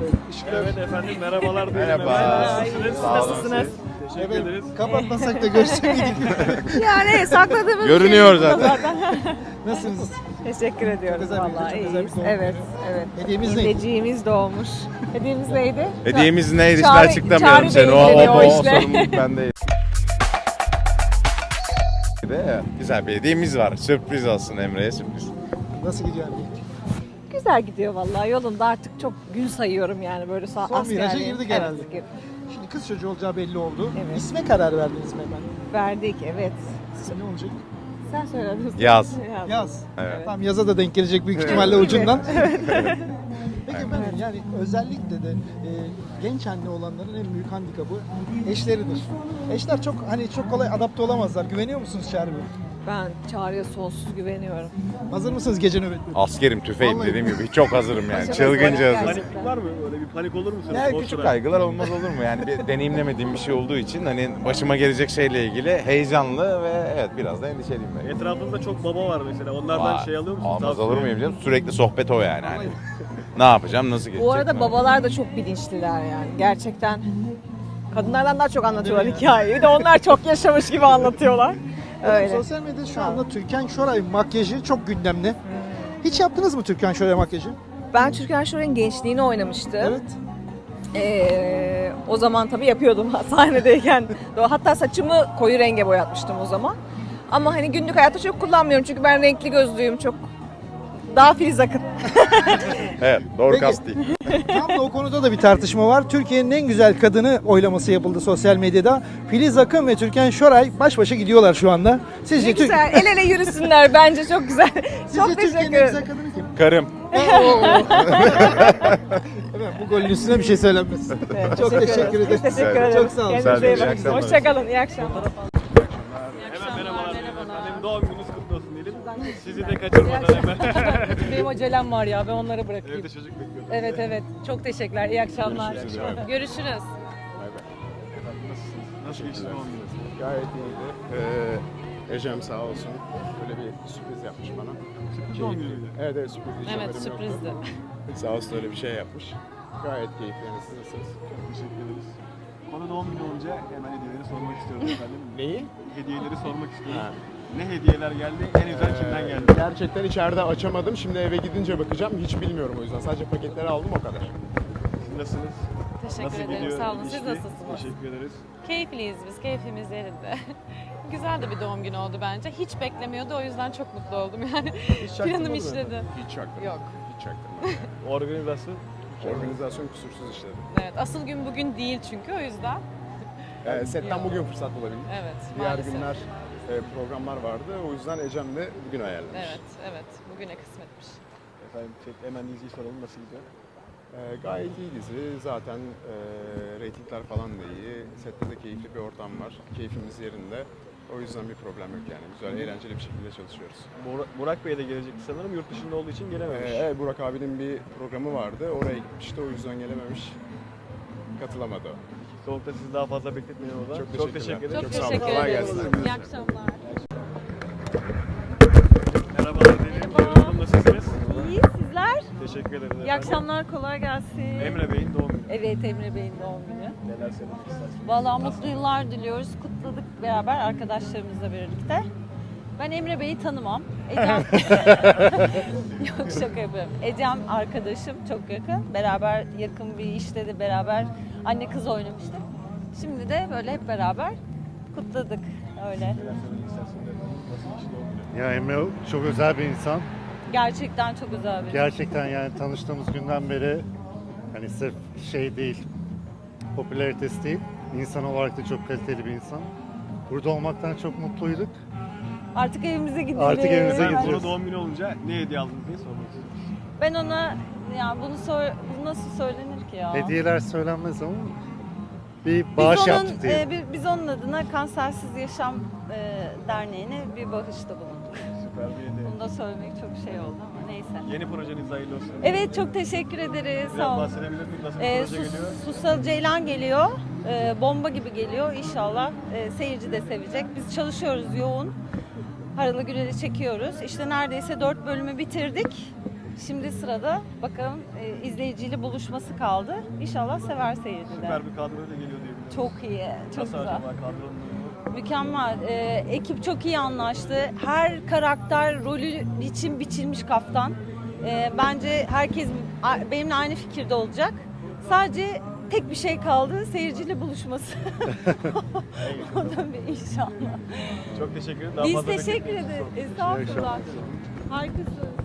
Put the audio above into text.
Evet efendim, merhabalar. Merhaba. Siz Sağ olun. nasılsınız? Teşekkür ederiz. Kapatmasak da görsek miydik? Yani sakladığımız Görünüyor şey burada zaten. Nasılsınız? Teşekkür ediyoruz Çok özel bir- vallahi. çok özel bir İyiyiz. doğum Evet, günü. evet. Hediyemiz neydi? Hediyemiz doğmuş. Hediyemiz neydi? Hediyemiz neydi? Şimdi Çağrı- açıklamıyorum Çağrı seni. Bey'in dedi o O işte. sorumluluk bende. Güzel bir hediyemiz var. Sürpriz olsun Emre'ye sürpriz. Nasıl gidiyor anne? Güzel gidiyor vallahi. Yolunda artık çok gün sayıyorum yani böyle Son askerliğin. viraja girdik herhalde. Evet, girdik. Şimdi kız çocuğu olacağı belli oldu. Evet. İsme karar verdiniz mi hemen? Verdik, evet. İsim ne olacak? Sen söyledin. Yaz. Yaz. Evet. Tamam, yaza da denk gelecek büyük ihtimalle ucundan. Peki efendim, yani özellikle de genç anne olanların en büyük handikapı eşleridir. Eşler çok kolay adapte olamazlar. Güveniyor musunuz Çağrı Bey? Ben Çağrı'ya sonsuz güveniyorum. Hazır mısınız gece nöbetleri? Askerim, tüfeğim Vallahi. dediğim gibi çok hazırım yani. Çok Çılgınca hazırım. hazırım. Panik var mı? Öyle bir panik olur musunuz? Yani O küçük sıra? kaygılar olmaz olur mu? Yani bir deneyimlemediğim bir şey olduğu için hani başıma gelecek şeyle ilgili heyecanlı ve evet biraz da endişeliyim ben. Etrafında çok baba var mesela. Onlardan Aa, şey alıyor musunuz? Almaz Tavsiye? olur muyum canım? Sürekli sohbet o yani. Hani. Ne yapacağım, nasıl geçecek? Bu arada ne babalar da çok bilinçliler yani. Gerçekten kadınlardan daha çok anlatıyorlar hikayeyi. Bir de onlar çok yaşamış gibi anlatıyorlar. Öyle. Sosyal medyada şu anda Türkan Şoray makyajı çok gündemde. Hiç yaptınız mı Türkan Şoray makyajı? Ben Türkan Şoray'ın gençliğini oynamıştım. Evet. O zaman tabii yapıyordum sahnedeyken. Hatta saçımı koyu renge boyatmıştım o zaman. Ama hani günlük hayatta çok kullanmıyorum çünkü ben renkli gözlüyüm, çok daha Filiz Akın. Evet, doğru Peki. kast değil. Tam da o konuda da bir tartışma var. Türkiye'nin en güzel kadını oylaması yapıldı sosyal medyada. Filiz Akın ve Türkan Şoray baş başa gidiyorlar şu anda. Sizce, Ne güzel, el ele yürüsünler bence, çok güzel. Sizce Çok Türkiye'nin teşekkür en ederim. güzel kadını kim? Karım. Evet, bu golün üstüne bir şey söylenmez. Evet, Çok teşekkür ederim. Biz teşekkür ederiz. Çok sağ olun. Kendinize iyi İyi bakın. akşamlar. Hoşçakalın, iyi akşamlar. Hemen merhabalar. Efendim, doğum gününüz kutlu olsun diyelim. Sizi de kaçırmadan hemen. Benim acelem var ya, ben onları bırakayım. Evde çocuk bekliyorum. Evet evet, çok teşekkürler, iyi akşamlar. Görüşürüz. Nasıl geçti doğum gününüz? Gayet iyiydi. Ecem sağ olsun böyle bir sürpriz yapmış bana. Doğum günüydü. Evet evet, sürpriz. Hiç Evet, haberim sürprizdi. yoktu. Sağ olsun öyle bir şey yapmış. Gayet keyifli. Yani siz nasılsınız? Teşekkür ederiz. Konu doğum günü olunca hemen hediyeleri sormak istiyoruz efendim. Neyi? Hediyeleri sormak istiyoruz. Ha. Ne hediyeler geldi? En güzel kimden geldi? Gerçekten içeride açamadım. Şimdi eve gidince bakacağım. Hiç bilmiyorum o yüzden. Sadece paketleri aldım o kadar. Siz nasılsınız? Teşekkür Nasıl ederim, gidiyor sağ olun. Siz ilişki? nasılsınız? Teşekkür ederiz. Keyifliyiz biz, keyfimiz yerinde. Güzel de bir doğum günü oldu bence. Hiç beklemiyordu, o yüzden çok mutlu oldum yani. Hiç çaktırmadın Planım mı? işledi. Hiç çaktırmadım. Yok. Hiç çaktırmadım. yani. Organizasyon. Organizasyon kusursuz işledi. Evet, asıl gün bugün değil çünkü, o yüzden. Setten Yok. bugün fırsat bulabildim. Evet, Diğer maalesef. günler programlar vardı. O yüzden Ecem de bugün ayarlamış. Evet, evet, bugüne kısmetmiş. Efendim hemen diziyi soralım, nasıl gidiyor? Gayet iyi dizi. Zaten reytingler falan da iyi. Sette de keyifli bir ortam var. Keyfimiz yerinde. O yüzden bir problem yok yani. Güzel, eğlenceli bir şekilde çalışıyoruz. Burak Bey de gelecekti sanırım. Yurt dışında olduğu için gelememiş. Evet, Burak abinin bir programı vardı. Oraya gitmişti. O yüzden gelememiş. Katılamadı o. Soğukta sizi daha fazla bekletmeyin o zaman. Çok teşekkür teşekkürler. ederim. Çok sağ olun. teşekkür Kolay ederiz. gelsin. İyi akşamlar. Merhabalar diyelim. Merhaba. Nasılsınız? İyi, sizler? Teşekkür ederiz efendim. İyi akşamlar, kolay gelsin. Emre Bey'in doğum günü. Evet, Emre Bey'in doğum günü. Neler söylemek istersiniz? Vallahi mutlu yıllar diliyoruz. Kutladık beraber arkadaşlarımızla birlikte. Ben Emre Bey'i tanımam. Ecem... Yok, şaka yapıyorum. Ecem arkadaşım, çok yakın. Beraber yakın bir işte de beraber anne kız oynamıştık. Şimdi de böyle hep beraber kutladık öyle. Neler söylemek istersiniz efendim? Nasıl geçti doğum günü? Ya Emre çok özel bir insan. Gerçekten çok özel bir. Gerçekten yani tanıştığımız günden beri hani sırf şey değil, popülaritesi değil, insan olarak da çok kaliteli bir insan. Burada olmaktan çok mutluyduk. Artık evimize gidelim. Artık evimize Ben gidiyoruz. ona doğum günü olunca ne hediye aldınız diye sormak istiyorum. Ben ona yani bu nasıl söylenir ki ya? Hediyeler söylenmez ama bir bağış yaptık diye. Biz onun adına Kansersiz Yaşam Derneği'ne bir bağışta bulunduk. Süper bir hediye. Bunu da söylemek çok şey oldu ama neyse. Yeni projeniz hayırlı olsun. Evet, çok teşekkür ederiz. Biraz Sağ olun. bahsedebilir miyiz? Nasıl bir proje geliyor? Susal Ceylan geliyor. Bomba gibi geliyor. İnşallah seyirci de sevecek. Biz çalışıyoruz yoğun. Haralı Gürel'i çekiyoruz. İşte neredeyse 4 bölümü bitirdik. Şimdi sırada bakalım izleyiciyle buluşması kaldı. İnşallah sever seyirciler. Süper bir kadroyla geliyor diyebilirim. Çok iyi, çok Nasıl güzel. acaba kadronun uyumu? Mükemmel. Ekip çok iyi anlaştı. Her karakter rolü için biçilmiş kaftan. Bence herkes benimle aynı fikirde olacak. Sadece tek bir şey kaldı, seyirciyle buluşması. O da bir inşallah. Çok teşekkür ederim. Biz Daha fazla teşekkür bekletmeyin. ederiz. Estağfurullah. Harikasınız.